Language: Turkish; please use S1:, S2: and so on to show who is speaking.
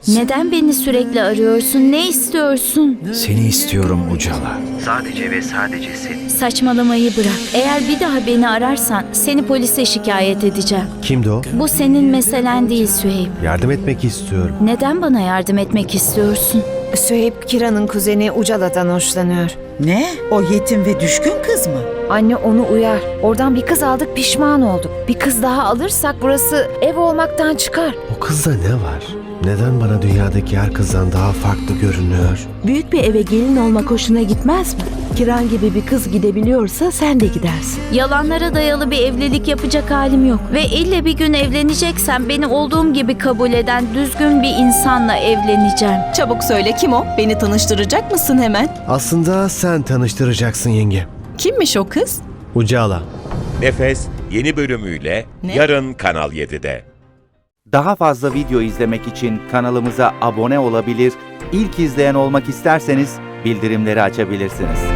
S1: Neden beni sürekli arıyorsun? Ne istiyorsun?
S2: Seni istiyorum Ucala.
S3: Sadece ve sadece seni.
S1: Saçmalamayı bırak. Eğer bir daha beni ararsan seni polise şikayet edeceğim.
S4: Kimdi o?
S1: Bu senin meselen değil Süheyb.
S4: Yardım etmek istiyorum.
S1: Neden bana yardım etmek istiyorsun?
S5: Süheyb, Kira'nın kuzeni Ucala'dan hoşlanıyor.
S6: Ne? O yetim ve düşkün kız mı?
S5: Anne onu uyar. Oradan bir kız aldık, pişman olduk. Bir kız daha alırsak burası ev olmaktan çıkar.
S4: O kızda ne var? Neden bana dünyadaki her kızdan daha farklı görünüyor?
S7: Büyük bir eve gelin olmak hoşuna gitmez mi? Kiran gibi bir kız gidebiliyorsa sen de gidersin.
S1: Yalanlara dayalı bir evlilik yapacak halim yok. Ve ille bir gün evleneceksem beni olduğum gibi kabul eden düzgün bir insanla evleneceğim.
S8: Çabuk söyle, kim o? Beni tanıştıracak mısın hemen?
S4: Aslında sen tanıştıracaksın yenge.
S8: Kimmiş o kız?
S4: Ucala.
S9: Nefes yeni bölümüyle
S8: Ne?
S9: yarın Kanal 7'de.
S10: Daha fazla video izlemek için kanalımıza abone olabilir, ilk izleyen olmak isterseniz bildirimleri açabilirsiniz.